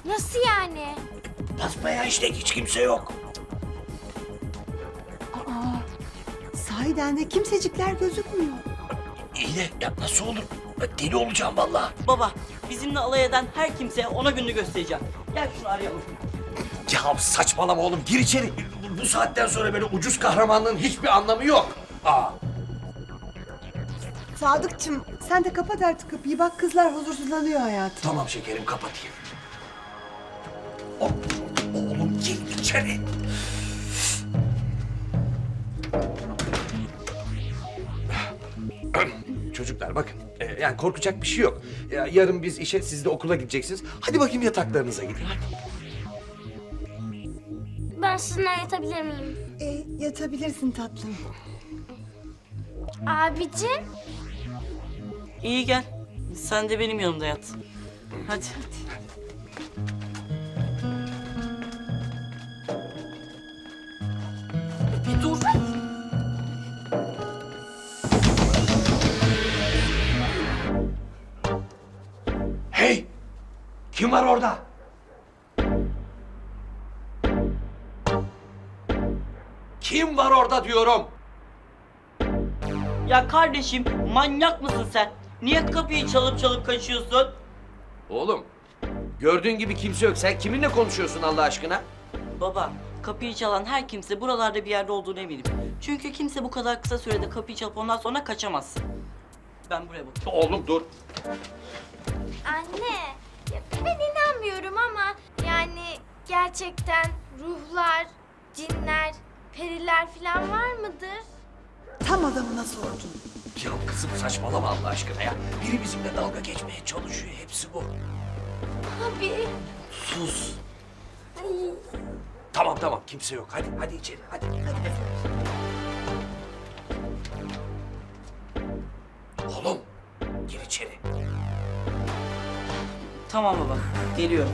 Nasıl yani? Basbayağı işte hiç kimse yok. Sahiden de kimsecikler gözükmüyor. İyi de ya nasıl olur? Deli olacağım vallahi. Baba, bizimle alay eden her kimseye ona gününü göstereceğim. Gel şunu arayalım. Ya saçmalama oğlum, gir içeri. Bu saatten sonra böyle ucuz kahramanlığın hiçbir anlamı yok. Aa. Sadıkçım sen de kapat artık kapıyı. Bak kızlar huzursuzlanıyor hayatım. Tamam şekerim, kapatayım. Oğlum gir içeri. Çocuklar bakın, yani korkacak bir şey yok. Yarın biz işe, siz de okula gideceksiniz. Hadi bakayım yataklarınıza gidin. Hadi. Ben sizinle yatabilir miyim? Yatabilirsin tatlım. Abicim. İyi gel. Sen de benim yanımda yat. Hadi. Bir dur. Hey! Kim var orada? Kim var orada diyorum? Ya kardeşim, manyak mısın sen? Niye kapıyı çalıp çalıp kaçıyorsun? Oğlum, gördüğün gibi kimse yok. Sen kiminle konuşuyorsun Allah aşkına? Baba, kapıyı çalan her kimse buralarda bir yerde olduğunu eminim. Çünkü kimse bu kadar kısa sürede kapıyı çalıp ondan sonra kaçamaz. Ben buraya bakıyorum. Oğlum dur. Anne. Ya ben inanmıyorum ama yani gerçekten ruhlar, cinler, periler falan var mıdır? Tam adamına sordun. Ya kızım saçmalama Allah aşkına ya. Biri bizimle dalga geçmeye çalışıyor. Hepsi bu. Abi. Sus. Tamam kimse yok. Hadi içeri hadi. Oğlum gir içeri. Tamam baba, geliyorum.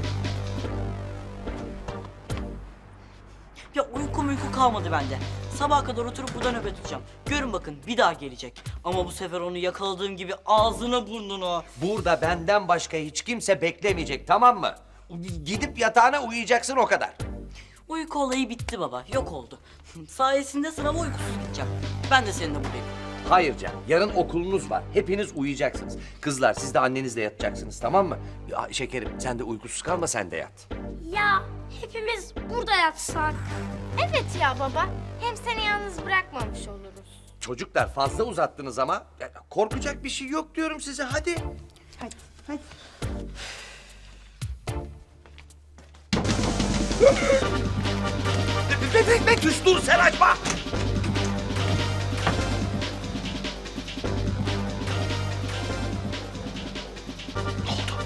Ya uyku kalmadı bende. Sabaha kadar oturup burada nöbet tutacağım. Görün bakın, bir daha gelecek. Ama bu sefer onu yakaladığım gibi ağzına burnuna. Burada benden başka hiç kimse beklemeyecek, tamam mı? Gidip yatağına uyuyacaksın, o kadar. Uyku olayı bitti baba, yok oldu. Sayesinde sınava uykusuz gideceğim. Ben de seninle buradayım. Hayır Can, yarın okulunuz var. Hepiniz uyuyacaksınız. Kızlar siz de annenizle yatacaksınız, tamam mı? Ya, şekerim sen de uykusuz kalma, sen de yat. Ya hepimiz burada yatsak. Evet ya baba. Hem seni yalnız bırakmamış oluruz. Çocuklar fazla uzattınız ama. Ya, korkacak bir şey yok diyorum size, hadi. Hadi. Betüş dur, sen açma! Ne oldu?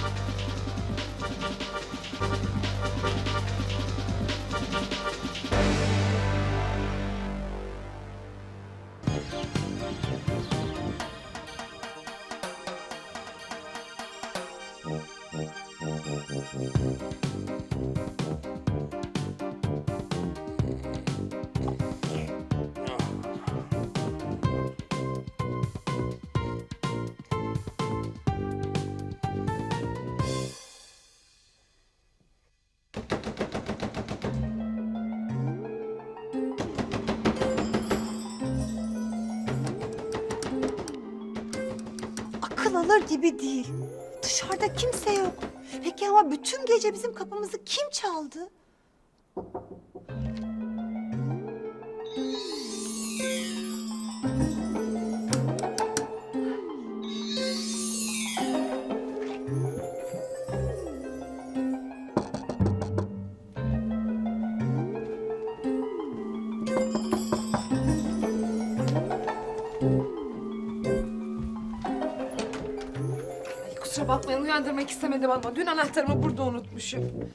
Akıl alır gibi değil. Dışarıda kimse yok. Peki ama bütün gece bizim kapımızı kim çaldı? Kusura bakmayın uyandırmak istemedim ama dün anahtarımı burada unutmuşum.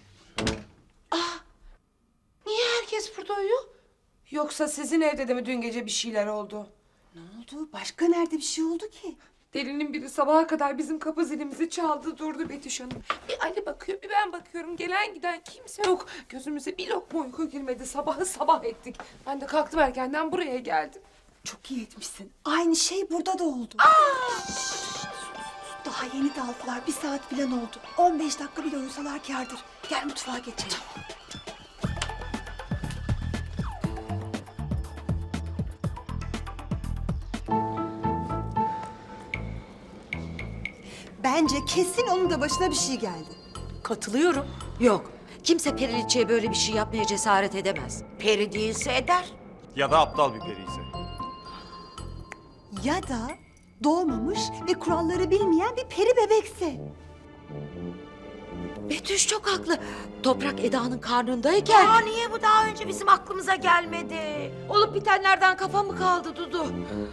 Niye herkes burada uyuyor? Yoksa sizin evde de mi dün gece bir şeyler oldu? Ne oldu? Başka nerede bir şey oldu ki? Delinin biri sabaha kadar bizim kapı zilimizi çaldı durdu Betüş Hanım. Bir Ali bakıyor bir ben bakıyorum. Gelen giden kimse yok. Gözümüze bir lokma uyku girmedi. Sabahı sabah ettik. Ben de kalktım erkenden buraya geldim. Çok iyi etmişsin. Aynı şey burada da oldu. Daha yeni daldılar. 1 saat falan oldu. 15 dakika bile uyusalar kârdır. Gel mutfağa geçelim. Bence kesin onun da başına bir şey geldi. Katılıyorum. Yok. Kimse Periliçe'ye böyle bir şey yapmaya cesaret edemez. Peri değilse eder. Ya da aptal bir periyse. Ya da doğmamış ve kuralları bilmeyen bir peri bebekse. Betüş çok haklı. Toprak Eda'nın karnındayken... Aa, niye bu daha önce bizim aklımıza gelmedi? Olup bitenlerden kafa mı kaldı Dudu?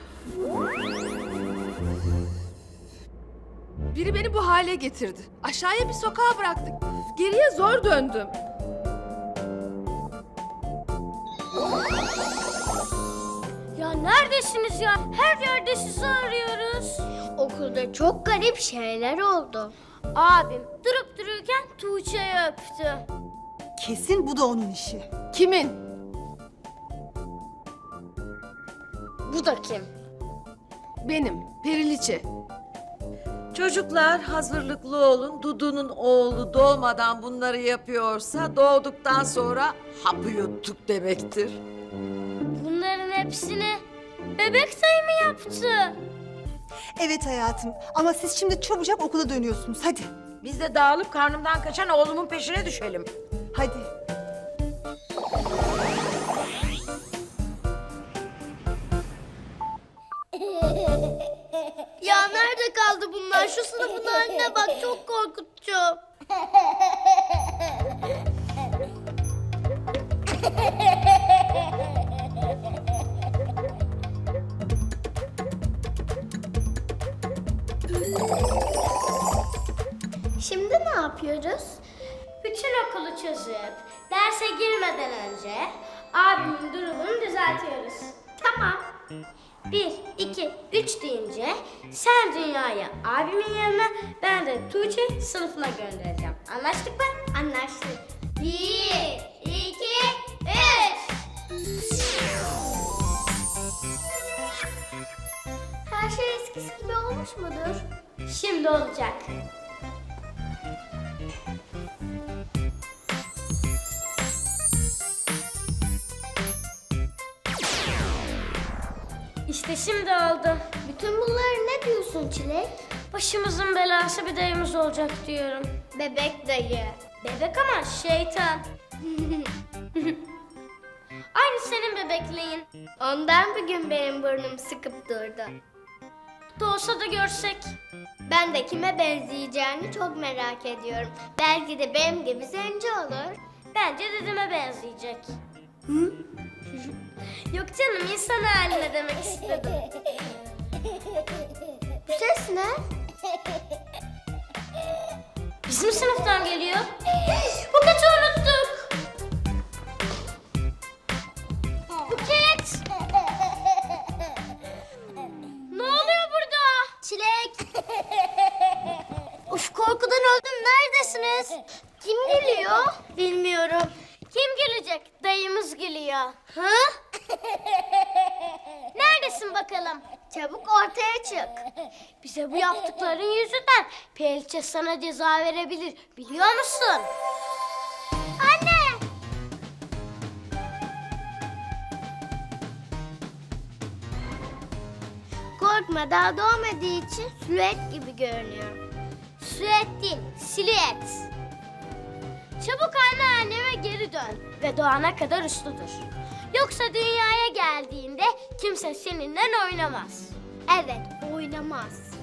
Biri beni bu hale getirdi. Aşağıya bir sokağa bıraktık. Geriye zor döndüm. Ya neredesiniz ya? Her yerde sizi arıyoruz. Okulda çok garip şeyler oldu. Abim durup dururken Tuğçe'yi öptü. Kesin bu da onun işi. Kimin? Bu da kim? Benim. Periliçe. Çocuklar hazırlıklı olun. Dudu'nun oğlu doğmadan bunları yapıyorsa doğduktan sonra hapı yuttuk demektir. Bunların hepsini bebek sayı mı yaptı? Evet hayatım ama siz şimdi çabucak okula dönüyorsunuz. Hadi. Biz de dağılıp karnımdan kaçan oğlumun peşine düşelim. Hadi. Ya nerede kaldı bunlar? Şu sınıfın haline bak, çok korkutucu. Şimdi ne yapıyoruz? Bütün okulu çözüp derse girmeden önce abimin durumunu düzeltiyoruz. Tamam. 1, 2, 3 deyince sen Dünya'yı abimin yanına, ben de Tuğçe sınıfına göndereceğim. Anlaştık mı? Anlaştık. 1, 2, 3. Her şey eskisi gibi olmuş mudur? Şimdi olacak. İşte şimdi oldu. Bütün bunları ne diyorsun Çilek? Başımızın belası bir dayımız olacak diyorum. Bebek dayı. Bebek ama şeytan. Aynı senin bebekliğin. Ondan bugün benim burnum sıkıp durdu. Doğsa da görsek. Ben de kime benzeyeceğini çok merak ediyorum. Belki de benim gibi zenci olur. Bence dedeme benzeyecek. Hı? Yok canım, insan haline demek istedim. Bu ses ne? Bizim sınıftan geliyor. Buket'i unuttuk. Buket! Ne oluyor burada? Çilek! Uf, korkudan öldüm. Neredesiniz? Kim geliyor? Bilmiyorum. Kim gelecek? Dayımız geliyor. Ha? Neredesin bakalım? Çabuk ortaya çık. Bize bu yaptıkların yüzünden Periliçe sana ceza verebilir. Biliyor musun? Anne! Korkma, daha doğmadığı için silüet gibi görünüyor. Silüet değil, silüet. Çabuk anneanneme geri dön ve doğana kadar uslu dur. Yoksa dünyaya geldiğinde kimse seninle oynamaz. Evet, oynamaz.